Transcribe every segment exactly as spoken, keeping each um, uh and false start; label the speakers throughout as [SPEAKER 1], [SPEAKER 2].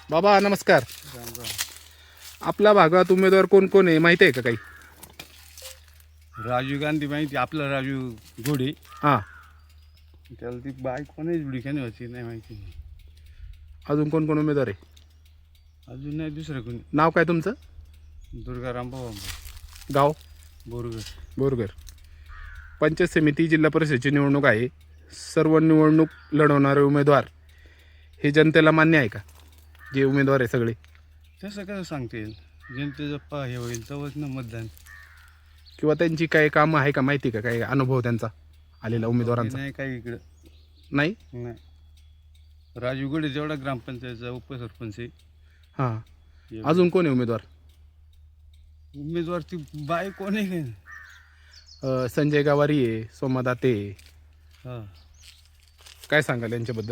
[SPEAKER 1] बाबा नमस्कार.
[SPEAKER 2] राम राम.
[SPEAKER 1] आपल्या भागात उमेदवार कोण कोण आहे माहिती आहे का काही?
[SPEAKER 2] राजीव गांधी माहिती, आपला राजू घोडे.
[SPEAKER 1] हां.
[SPEAKER 2] त्याला ती बाईक कोणाच बुडीखाने होती नाही माहिती.
[SPEAKER 1] अजून कोण कोण उमेदवार आहे?
[SPEAKER 2] अजून नाही दुसरं कोणी.
[SPEAKER 1] नाव काय तुमचं?
[SPEAKER 2] दुर्गाराम भाऊ
[SPEAKER 1] गाव?
[SPEAKER 2] बोरगर.
[SPEAKER 1] बोरगर. पंचायत समिती जिल्हा परिषदेची निवडणूक आहे. सर्व निवडणूक लढवणारे उमेदवार हे जनतेला मान्य आहे का? जे उमेदवार आहे सगळे
[SPEAKER 2] तसं कसं सांगता येईल? जनतेचं पा हे होईल तेव्हाच ना मतदान.
[SPEAKER 1] किंवा त्यांची काही कामं आहे का माहिती का? काही अनुभव त्यांचा आलेला उमेदवारांचा?
[SPEAKER 2] नाही काही इकडं
[SPEAKER 1] नाही.
[SPEAKER 2] नाही. राजू घोडे जेवढा ग्रामपंचायतचा उपसरपंच आहे.
[SPEAKER 1] हां. अजून कोण आहे उमेदवार?
[SPEAKER 2] उमेदवार ती बाई कोण आहे काय?
[SPEAKER 1] अ, संजय गावारी आहे, सोमा दाते आहे.
[SPEAKER 2] हां.
[SPEAKER 1] काय सांगाल यांच्याबद्दल?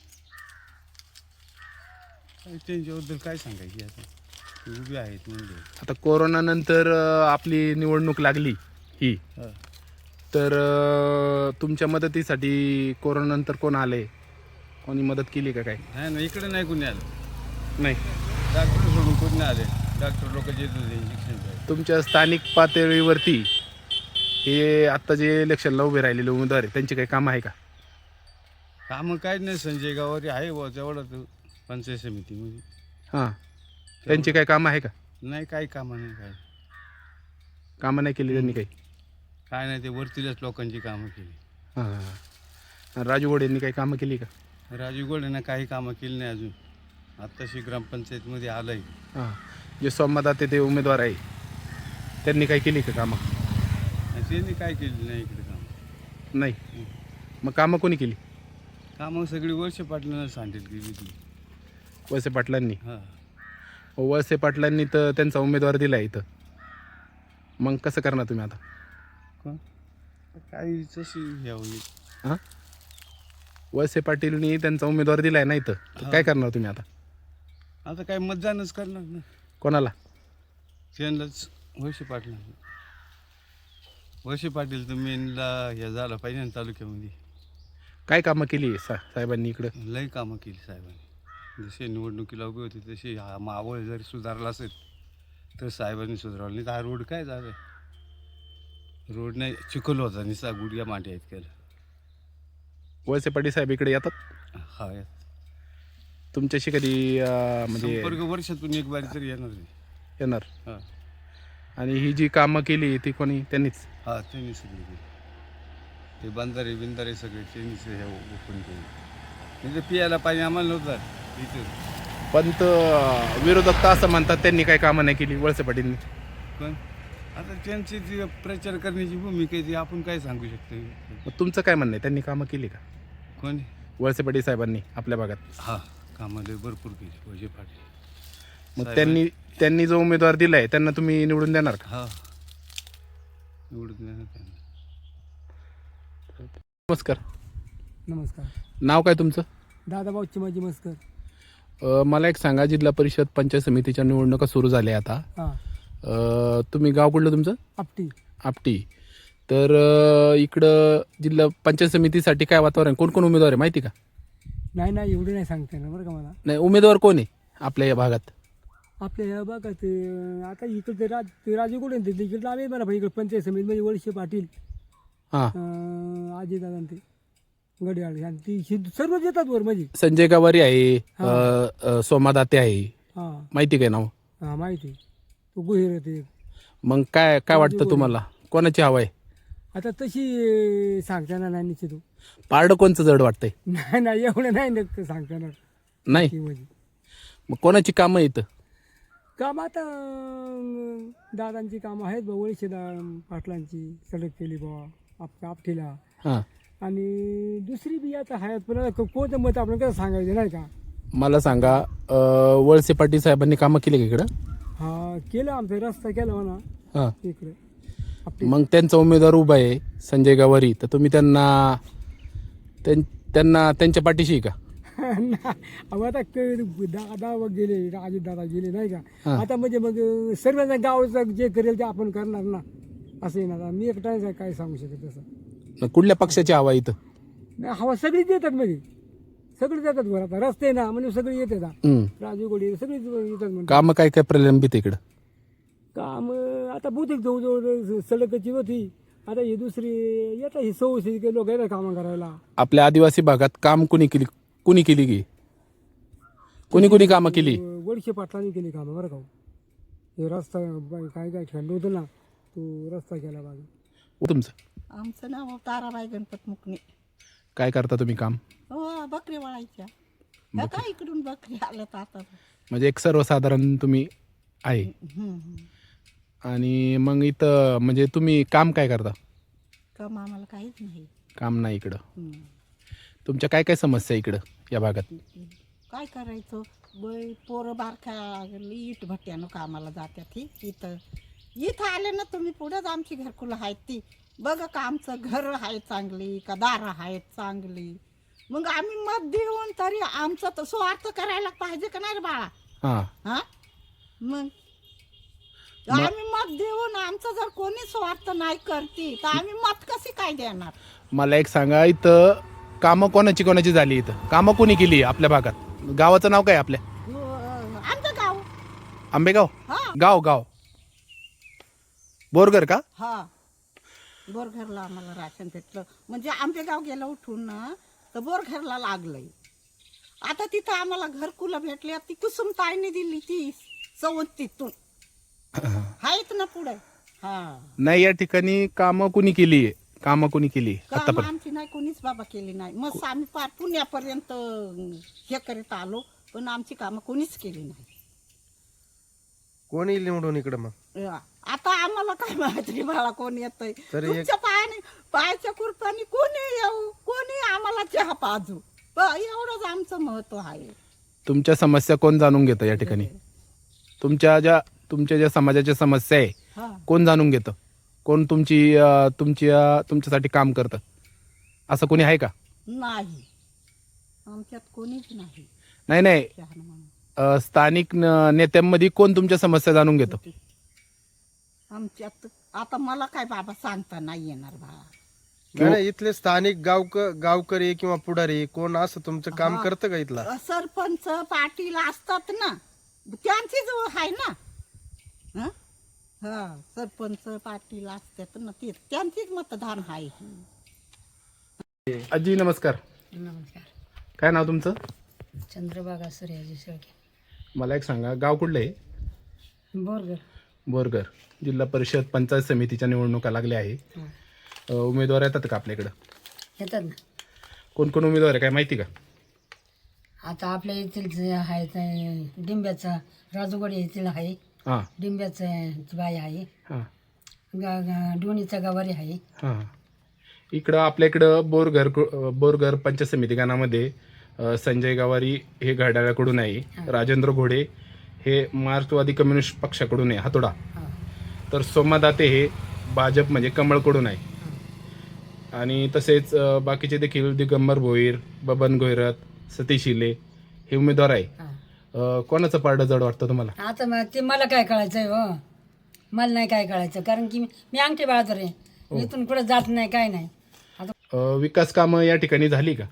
[SPEAKER 2] काही त्यांच्याबद्दल काय सांगायची आता, ती उभी आहेत म्हणजे.
[SPEAKER 1] आता कोरोनानंतर अ, आपली निवडणूक लागली ही,
[SPEAKER 2] हां.
[SPEAKER 1] तर अ, तुमच्या मदतीसाठी कोरोनानंतर कोण आले? कोणी मदत केली का काय?
[SPEAKER 2] नाही ना, इकडे नाही कोणी आलं.
[SPEAKER 1] नाही.
[SPEAKER 2] डॉक्टर सोडून कोणी आले. डॉक्टर लोक येत होते इंजेक्शन.
[SPEAKER 1] तुमच्या स्थानिक पातळीवरती हे आत्ता जे इलेक्शनला उभे राहिलेले उमेदवार आहे त्यांची काही कामं आहे का?
[SPEAKER 2] कामं काय नाही, संजय गावारी आहे बुवा तेवढा तो पंचायत समितीमध्ये.
[SPEAKER 1] हां. त्यांची काही कामं आहे का?
[SPEAKER 2] नाही काही कामं नाही. काय
[SPEAKER 1] कामं नाही केली त्यांनी काही?
[SPEAKER 2] काय नाही, ते वरतीलच लोकांची कामं केली.
[SPEAKER 1] हां हां हां. राजू घोडे यांनी काही कामं केली का?
[SPEAKER 2] राजू घोडेनं काही कामं केली नाही अजून. आत्ताशी ग्रामपंचायतमध्ये आलं आहे.
[SPEAKER 1] हां. जे सोमदाते ते उमेदवार आहे त्यांनी काही केली का कामं?
[SPEAKER 2] त्यांनी काय केली नाही इकडे कामं.
[SPEAKER 1] नाही. मग कामं कोणी केली?
[SPEAKER 2] कामं सगळी वर्ष पाटलांना सांगितली गेली ती.
[SPEAKER 1] वळसे पाटलांनी?
[SPEAKER 2] हां.
[SPEAKER 1] वळसे पाटलांनी तर त्यांचा उमेदवार दिला आहे इथं. मग कसं करणार तुम्ही आता?
[SPEAKER 2] कोण? काही तशी हे होईल.
[SPEAKER 1] हां. वळसे पाटीलनी त्यांचा उमेदवार दिला आहे ना इथं, तर काय करणार तुम्ही आता?
[SPEAKER 2] आता काय मतदानच करणार ना.
[SPEAKER 1] कोणाला?
[SPEAKER 2] त्यांनाच, वळसे पाटलांना. वळसे पाटील तर मेनला हे झालं पाहिजे ना तालुक्यामध्ये.
[SPEAKER 1] काय कामं केली सा साहेबांनी इकडं?
[SPEAKER 2] लई कामं केली साहेबांनी. जसे निवडणुकीला उभी होती तशी हा मावळ जरी सुधारला असेल तर साहेबांनी सुधारवलं नाही. तर हा रोड काय झालं? रोड नाही, चिखल होता निसा गुडघ्या मांड्या आहेत केलं.
[SPEAKER 1] वळसे पाटील साहेब इकडे येतात?
[SPEAKER 2] हा.
[SPEAKER 1] तुमच्याशी कधी अं, म्हणजे
[SPEAKER 2] संपर्क वर्षातून एक बारी तरी येणार आहे.
[SPEAKER 1] येणार?
[SPEAKER 2] हां.
[SPEAKER 1] आणि ही जी कामं केली ती कोणी? त्यांनीच?
[SPEAKER 2] हां, त्यांनी सगळी केली. ते बंधारे बिंधारे सगळे त्यांनीच हे ओपन केले. म्हणजे पियाला पाणी आम्हाला नव्हतं इथं.
[SPEAKER 1] पण तर विरोधक तर असं म्हणतात त्यांनी काही कामं नाही केली वळसे पाटीलनी.
[SPEAKER 2] पण आता त्यांची जी प्रचार करण्याची भूमिका आहे ती आपण काय सांगू शकतो.
[SPEAKER 1] मग तुमचं काय म्हणणं आहे? त्यांनी कामं केली का
[SPEAKER 2] कोणी?
[SPEAKER 1] वळसे पाटील साहेबांनी आपल्या भागात?
[SPEAKER 2] हां, कामाला भरपूर केली वळसे पाटील.
[SPEAKER 1] मग त्यांनी त्यांनी जो उमेदवार दिला आहे त्यांना तुम्ही निवडून देणार का?
[SPEAKER 2] हां, निवडून देणार त्यांना.
[SPEAKER 1] नमस्कार.
[SPEAKER 3] नमस्कार.
[SPEAKER 1] नाव काय तुमचं?
[SPEAKER 3] दादाभाऊ चिमाजी मस्कर.
[SPEAKER 1] अ, मला एक सांगा, जिल्हा परिषद पंचायत समितीच्या निवडणुका सुरू झाल्या आता.
[SPEAKER 3] हां.
[SPEAKER 1] अ, तुम्ही गाव कुठलं तुमचं?
[SPEAKER 3] आपटी.
[SPEAKER 1] आपटी. तर अ, इकडं जिल्हा पंचायत समितीसाठी काय वातावरण, कोण कोण उमेदवार आहे माहिती का?
[SPEAKER 3] नाही नाही एवढे नाही सांगता येणार बरं का मला.
[SPEAKER 1] नाही, उमेदवार कोण आहे आपल्या या भागात?
[SPEAKER 3] आपल्या ह्या बघा ते आता इकडे ते राज ते राजू कुठे ते तिकडे आले मला भाई इकडे पंचायत समितीमध्ये वळसे पाटील,
[SPEAKER 1] हां.
[SPEAKER 3] अजय दादा ते गडियाळ आणि ती ही सर्वच येतात वर म्हणजे.
[SPEAKER 1] संजय गावारी आहे, अ, अ, सोमा दाते आहे,
[SPEAKER 3] हां
[SPEAKER 1] माहिती काय नाव?
[SPEAKER 3] हां माहिती. तो गुहेर ते.
[SPEAKER 1] मग काय काय वाटतं तुम्हाला, कोणाची हवा आहे?
[SPEAKER 3] आता तशी सांगता येणार नाही निश्चित.
[SPEAKER 1] पारडं कोणचं जड वाटतंय?
[SPEAKER 3] नाही नाही एवढं नाही नक्की सांगता येणार
[SPEAKER 1] नाही.
[SPEAKER 3] ती म्हणजे.
[SPEAKER 1] मग कोणाची कामं येतं?
[SPEAKER 3] काम आता अं, दादांची कामं आहेत बा, वळसे दा पाटलांची सडक केली बा आप आपटीला.
[SPEAKER 1] हां.
[SPEAKER 3] आणि दुसरी बी आता आहेत, पण आता को- कोणतं मत आपण कसं सांगायचं नाही का.
[SPEAKER 1] मला सांगा, अ, वळसे पाटील साहेबांनी कामं केली का इकडं?
[SPEAKER 3] हा केलं, आमचा रस्ता केला म्हणा
[SPEAKER 1] हां.
[SPEAKER 3] इकडे आपली.
[SPEAKER 1] मग त्यांचा उमेदवार उभा आहे संजय गावारी, तर तुम्ही त्यांना त्यां- त्यांना त्यांच्या पाठीशी आहे का?
[SPEAKER 3] अहो आता क- दादा व गेले, अजित दादा गेले नाही का.
[SPEAKER 1] हा.
[SPEAKER 3] आता म्हणजे मग सर्वांना गावाचं जे करेल ते आपण करणार ना, असं आहे ना. मी एकटा काय सांगू शकत तसं.
[SPEAKER 1] मग कुठल्या पक्षाची हवा आहे इथं?
[SPEAKER 3] नाही, हवा सगळीच देतात म्हणजे सगळे जातात वर आता रस्ते ना म्हणजे सगळे येते ना
[SPEAKER 1] हम्म.
[SPEAKER 3] राजू गोडी सगळेच येतात म्हणजे
[SPEAKER 1] कामं काय काय प्रलंबित आहे इकडं?
[SPEAKER 3] काम आता बहुतेक जवळजवळ सलगची होती, आता ही दुसरी येतात ही सव्वीस लोक येतात कामं करायला.
[SPEAKER 1] आपल्या आदिवासी भागात काम कुणी केली कुणी केली की कुणी कुणी कामं केली?
[SPEAKER 3] वडशे पाटलांनी केली कामं बरं का हो. हे रस्ता काय काय खंड होतं ना तो रस्ता केला बाजू.
[SPEAKER 1] तुमचं
[SPEAKER 4] आमचं नाव ताराबाई गणपत मुकणे.
[SPEAKER 1] काय करता तुम्ही काम?
[SPEAKER 4] हो बकरी वळायच्या. ह्या काय इकडून बकरी आल्यात आता.
[SPEAKER 1] म्हणजे एक सर्वसाधारण तुम्ही आहे.
[SPEAKER 4] हम्म, हम्म.
[SPEAKER 1] आणि मग इथं म्हणजे तुम्ही काम काय करता?
[SPEAKER 4] कम आम्हाला काहीच नाही.
[SPEAKER 1] काम नाही इकडं.
[SPEAKER 4] हम्म.
[SPEAKER 1] तुमच्या काय काय समस्या आहे इकडं या भागात?
[SPEAKER 4] काय करायचं बै पोरं बारख्या इट भट्ट्यानं कामाला जात्यात. ही इथं इथं आले ना तुम्ही पुढेच आमची घरकुलं आहेत ती बघा का आमचं घर आहे चांगली का दारं आहेत चांगली. मग आम्ही मत देऊन तरी आमचं तर स्वार्थ करायला पाहिजे का नाही रे बाळा.
[SPEAKER 1] हां.
[SPEAKER 4] हा मग आम्ही मत देऊन आमचं जर कोणी स्वार्थ नाही करती तर आम्ही मत कशी काय देणार.
[SPEAKER 1] मला एक सांगा, इथं कामं कोणाची कोणाची झाली? इथं कामं कोणी केली आपल्या भागात? गावाचं नाव काय आपल्या?
[SPEAKER 4] अं, आमचं गाव.
[SPEAKER 1] आंबेगाव?
[SPEAKER 4] हा
[SPEAKER 1] गाव गाव बोरगर का?
[SPEAKER 4] हा बोरघरला आम्हाला राशन भेटलं म्हणजे आंबे गाव गेलं उठून ना तर बोरघरला लागलंय. आता तिथं आम्हाला घरकुलं भेटली ती कुसुम ताईने दिली ती चौतीतून आहेत ना पुढे. हा
[SPEAKER 1] नाही, या ठिकाणी कामं कुणी केली? कामं कुणी केली
[SPEAKER 4] काम
[SPEAKER 1] आतापर्यंत?
[SPEAKER 4] आमची नाही कोणीच बाबा केली नाही. मग आम्ही पार पुण्यापर्यंत हे करीत आलो पण आमची कामं कोणीच केली नाही.
[SPEAKER 5] कोणी निवडून इकडं मग?
[SPEAKER 4] या. आता आम्हाला काय माहिती बाळा कोण येतंय.
[SPEAKER 5] तरी एक-
[SPEAKER 4] तुमच्या पायाने पायाच्या कुरपाने कोणी येऊ कोणी आम्हाला चहा पाजू ब- एवढंच आमचं महत्व आहे.
[SPEAKER 1] तुमच्या समस्या कोण जाणून घेतं या ठिकाणी? तुमच्या ज्या तुमच्या ज्या समाजाच्या समस्या आहे
[SPEAKER 4] हा
[SPEAKER 1] कोण जाणून घेतं? कोण तुमची अं, तुमची अं, तुमच्यासाठी काम करतं असं कोणी आहे का?
[SPEAKER 4] नाही आमच्यात कोणीच नाही.
[SPEAKER 1] नाही नाही,
[SPEAKER 4] चहा म्हणून
[SPEAKER 1] अं, स्थानिक न- नेत्यांमध्ये कोण तुमच्या समस्या जाणून घेतं?
[SPEAKER 4] आमच्यात आता मला काय बाबा सांगता नाही येणार बाळा.
[SPEAKER 5] नाही नाही, इथले स्थानिक गावक गावकरी किंवा पुढारी कोण असं तुमचं काम
[SPEAKER 4] हा.
[SPEAKER 5] करतं का इथला?
[SPEAKER 4] सरपंच पाटील असतात ना त्यांचीच आहे ना. हं? हा सरपंच पाटील असतात ना ते त्यांचीच मतदान आहे.
[SPEAKER 1] आजी नमस्कार.
[SPEAKER 6] नमस्कार.
[SPEAKER 1] काय नाव तुमचं?
[SPEAKER 6] चंद्रभागा सूर्याजी शेळके.
[SPEAKER 1] मला एक सांगा, गाव कुठलं आहे?
[SPEAKER 6] बोरगर.
[SPEAKER 1] बोरगर. जिल्हा परिषद पंचायत समितीच्या निवडणुका लागल्या आहे.
[SPEAKER 6] हां.
[SPEAKER 1] अ, उमेदवार येतात का आपल्याकडं?
[SPEAKER 6] येतात ना.
[SPEAKER 1] कोण कोण उमेदवार आहे काय माहिती का?
[SPEAKER 6] आता आपल्या येथील जे आहे ते डिंब्याचा राजूगड येथील आहे.
[SPEAKER 1] हां
[SPEAKER 6] डिंब्याचं बाई आहे.
[SPEAKER 1] हां
[SPEAKER 6] गा गा डोणीचा गवारी आहे.
[SPEAKER 1] हां. इकडं आपल्या इकडं बोरघर बोरघर पंचायत समिती गणामध्ये अ, संजय गावारी हे घड्याळाकडून आहे. राजेंद्र घोडे हे मार्क्सवादी कम्युनिस्ट पक्षाकडून आहे, हातोडा.
[SPEAKER 6] हां.
[SPEAKER 1] तर सोमा दाते हे भाजप म्हणजे कमळकडून आहे. आणि तसेच अ, बाकीचे देखील दिगंबर भोईर, बबन गोहिरत, सतीश शिले हे उमेदवार आहे.
[SPEAKER 6] हां.
[SPEAKER 1] अ, कोणाचं पारडं जड वाटतं तुम्हाला?
[SPEAKER 6] आता मग ते मला काय कळायचं आहे हो. मला नाही काय कळायचं कारण की मी मी अंगठी बाळातर आहे. इथून कुठं जात नाही काय नाही. आता
[SPEAKER 1] अ, विकास कामं या ठिकाणी झाली का?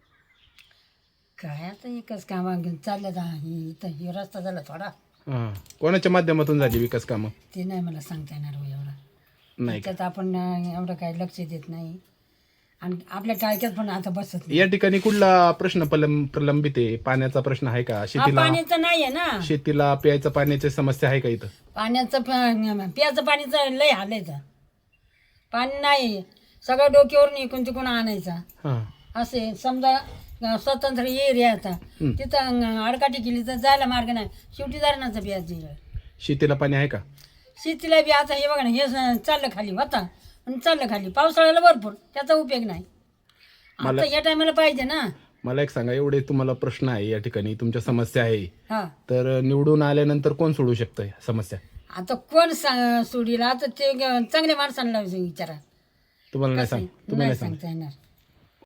[SPEAKER 6] काय आता एकच काम चाललं जा इथं हे रस्ता झाला थोडा
[SPEAKER 1] हां. कोणाच्या माध्यमातून झाली विकास कामं?
[SPEAKER 6] ते नाही मला सांगता येणार हो एवढा.
[SPEAKER 1] नाही का?
[SPEAKER 6] त्यात आपण अं, एवढं काही लक्ष देत नाही आणि आपल्या टाळक्यात पण आता बसत नाही.
[SPEAKER 1] या ठिकाणी कुठला प्रश्न प्रलंब प्रलंबित आहे? पाण्याचा प्रश्न आहे का?
[SPEAKER 6] हा,
[SPEAKER 1] शेतीला
[SPEAKER 6] पाण्याचं नाही आहे ना.
[SPEAKER 1] शेतीला प्यायचं पाण्याची समस्या आहे का इथं?
[SPEAKER 6] पाण्याचं प- प्याचं पाणीचं लय हालायचं. पाणी नाही सगळं डोक्यावरून इकून तिकून आणायचा.
[SPEAKER 1] हां
[SPEAKER 6] असे समजा अं, स्वतंत्र एरिया आता तिथं अं, आडकाठी केली तर जायला मार्ग नाही. शेवटी धरणाचं प्यायचं.
[SPEAKER 1] शेतीला पाणी आहे का?
[SPEAKER 6] शेतीला बी आता हे बघा ना हे स- चाललं खाली होता आणि चाललं खाली पावसाळ्याला भरपूर त्याचा उपयोग नाही. आता या टायमाला पाहिजे ना.
[SPEAKER 1] मला एक सांगा, एवढे तुम्हाला प्रश्न आहे या ठिकाणी, तुमच्या समस्या आहे,
[SPEAKER 6] हा
[SPEAKER 1] तर निवडून आल्यानंतर कोण सोडू शकतं या समस्या?
[SPEAKER 6] आता कोण सा- सोडील आता ते ग- चांगल्या माणसांना विचारा.
[SPEAKER 1] तुम्हाला नाही सांग तुम्हाला
[SPEAKER 6] नाही
[SPEAKER 1] नाही सांग
[SPEAKER 6] सांगता येणार.